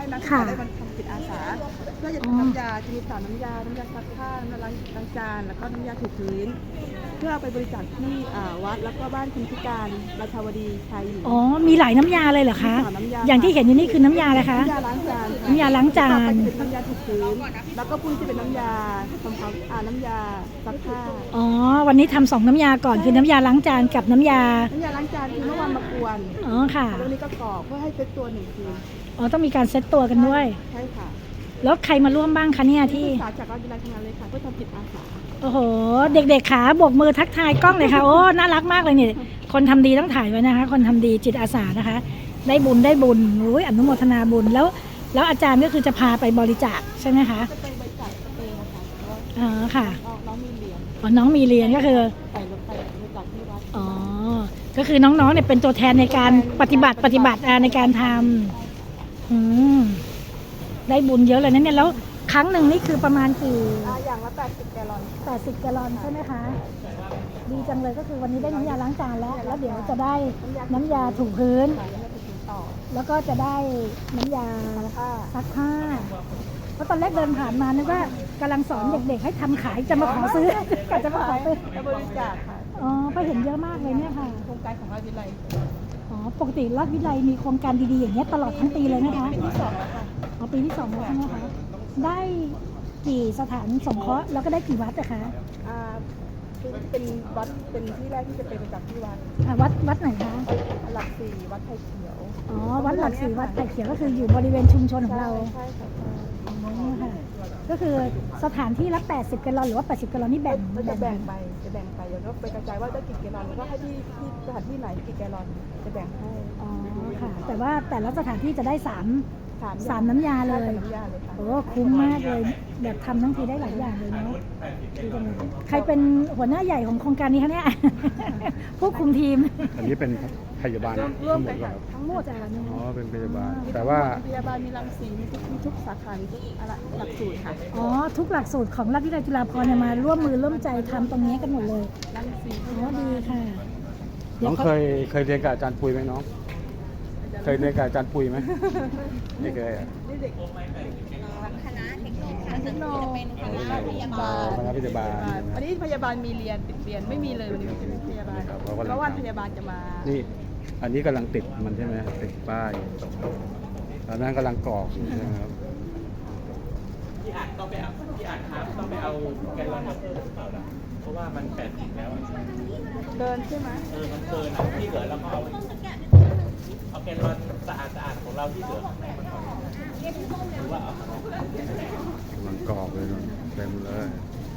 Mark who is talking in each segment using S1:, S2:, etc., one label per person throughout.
S1: นักศึกษาได้มาทำจิตอาสาเพื่อจะทำน้ำยาจะมี3น้ำยาซักผ้าน้ำยาล้างจานแล้วก็น้ำยาถูพื้นเพื่อเอาไปบริจาคที่วัดแล้วก็บ้านคนพิการราชาวดีชัยอยู่
S2: อ๋อมีหลายน้ำยาเลยเหรอคะอย่างที่เห็นอยู่นี่คือน้ำยาอะไรคะ
S1: น้ำยาล้างจาน
S2: น้ำยาล้างจาน
S1: น้ำยาถูพื้นแล้วก็พรุ่งนี้จะเป็นน้ำยาทำความน้ำยาซักผ้า
S2: อ๋อวันนี้ทำ2น้ำยาก่อนคือน้ำยาล้างจานกับน้ำยา
S1: ล้างจานคือเมื่อวานมากวน
S2: อ๋อค่ะ
S1: แล้ววันนี้ก็กรอกเพื่อให้เซตตัว1 คืน
S2: อ๋อต้องมีการเซตตัวกันด้วย
S1: ใช่ค่ะ
S2: แล้วใครมาร่วมบ้างคะเนี่ยที่
S1: จากวิทยาลัยทำงานเลยค่ะเพื่อทำจิตอาสา
S2: โอ้โหเด็กๆขาโบกมือทักทายกล้องเลยค่ะโอ้น่ารักมากเลยนี่คนทำดีต้องถ่ายไว้นะคะคนทำดีจิตอาสานะคะได้บุญอุ้ยอนุโมทนาบุญแล้วอาจารย์ก็คือจะพาไปบริจาคใช่ไหมคะ
S1: จะไปบริจาคเองนะคะ
S2: อ๋อค่ะ
S1: น้องมีเรียน
S2: อ๋อน้องมีเรียนก็คือ
S1: ไปรถไปบริจาคที่วัด
S2: อ๋อก็คือน้องๆเนี่ยเป็นตัวแทนในการปฏิบัติในการทำได้บุญเยอะเลยนะเนี่ยแล้วครั้งหนึ่งนี่คือประมาณกี่
S1: อย่างละ80 แกลลอน
S2: 80 แกลลอนใช่ไหมคะดีจังเลยก็คือวันนี้ได้น้ำยาล้างจานแล้วเดี๋ยวจะได้น้ำยาถูพื้นแล้วก็จะได้น้ำยาซักผ้าเพราะตอนแรกเดินผ่านมานึกว่ากำลังสอนเด็กๆให้ทำขายจะมาขอซื้อก็จะมาขอซื้
S1: อบริจาคค่ะ
S2: อ๋อก็เห็นเยอะมากเลยเนี่ยค่ะ
S1: โครงการของราชวิทยาลัย
S2: อ๋อปกติราชวิทยาลัยมีโครงการดีๆอย่างเงี้ยตลอดทั้งปีเลยนะคะ
S1: ปีที่2แล้วค่ะ
S2: อ๋อปีที่2แล้วใช่ไหมคะได้กี่สถานสงเคราะห์แล้วก็ได้กี่วัดอะคะ
S1: เป็นวัดเป็นที่แรกที่จะเป็นจากที่วัด
S2: วัดไหนคะ
S1: หลัก4วัดไผ่เขียว
S2: อ๋อวัดหลัก4วัดไผ่เขียวก็คืออยู่บริเวณชุมชนของเรา
S1: ใช่ค่ะ
S2: อ๋อค่ะก็คือสถานที่ละ80 แกลลอนหรือว่า80 แกลลอนนี่แบ่ง
S1: ไปแล้วก็ไปกระจายว่าจะกี่แกลลอนแล้วก็ให้ที่สถานที่ไหนกี่แกลลอนจะแบ่งให้
S2: อ๋อค่ะแต่ว่าแต่ละสถานที่จะได้3น้ำยาเลยโอ้คุ้มมากเลยแบบทำทั้งทีได้หลายอย่างเลยเนาะใครเป็นหัวหน้าใหญ่ของโครงการนี้คะเนี่ยผู้คุมทีม
S3: อันนี้เป็นพยาบาล
S1: ร่วมกันทั้งหมด
S3: อ๋อเป็นพยาบาลแต่ว่า
S1: พยาบาลมีรังสีมีทุกสาขาทุกหลักสูตรค่ะ
S2: อ๋อทุกหลักสูตรของราชวิทยาลัยจุฬาภรณ์มาร่วมมือร่วมใจทำตรงนี้กันหมดเลย
S1: รังสี
S2: อ๋อดีค่ะ
S3: น้องเคยเรียนกับอาจารย์ปุยไหมน้องเคยเรียนกับอาจารย์ปุยไหมไม่เคยอ่ะ
S1: คณะเทคโนโลยีจะเป็นคณะพยาบาลวันนี้พยาบาลมีเรียนติดเรียนไม่มีเลยวันนี้เป็นพยาบาลเพราะวันพยาบาลจะมา
S3: นี่อันนี้กำลังติดมันใช่ไหมติดป้ายตอนนั้นกำลังกรอกใช่ไหมครับ
S4: พี่อาจต้องไปเอาแกลลอนมาเพิ่มเพราะว่ามัน80แล้ว
S1: เกินใช่ไหม
S4: มันเกินที่เหลือแล้วก็เอาแกลลอนสะอาดของเราที่เหลือหรือว่าก
S3: ำลังกรอกเลยเต็มเลย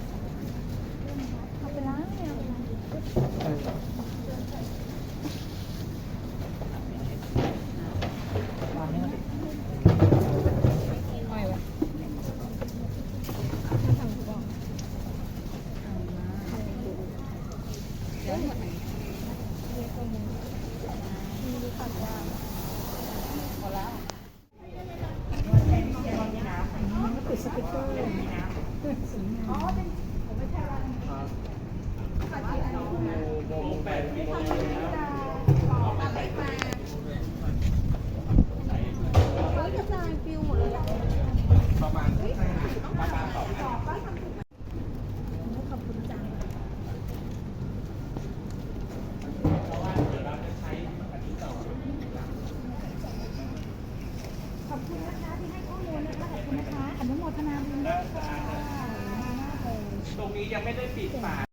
S2: เอาไปล้างเนี่ยติดสติ๊กเกอร์ขอบคุณนะคะที่ให้ข้อมูลนะคะขอบคุณนะคะอนุโมทนาบุญด้วยค่ะ
S4: ตรงนี้ยังไม่ได้ปิดฝา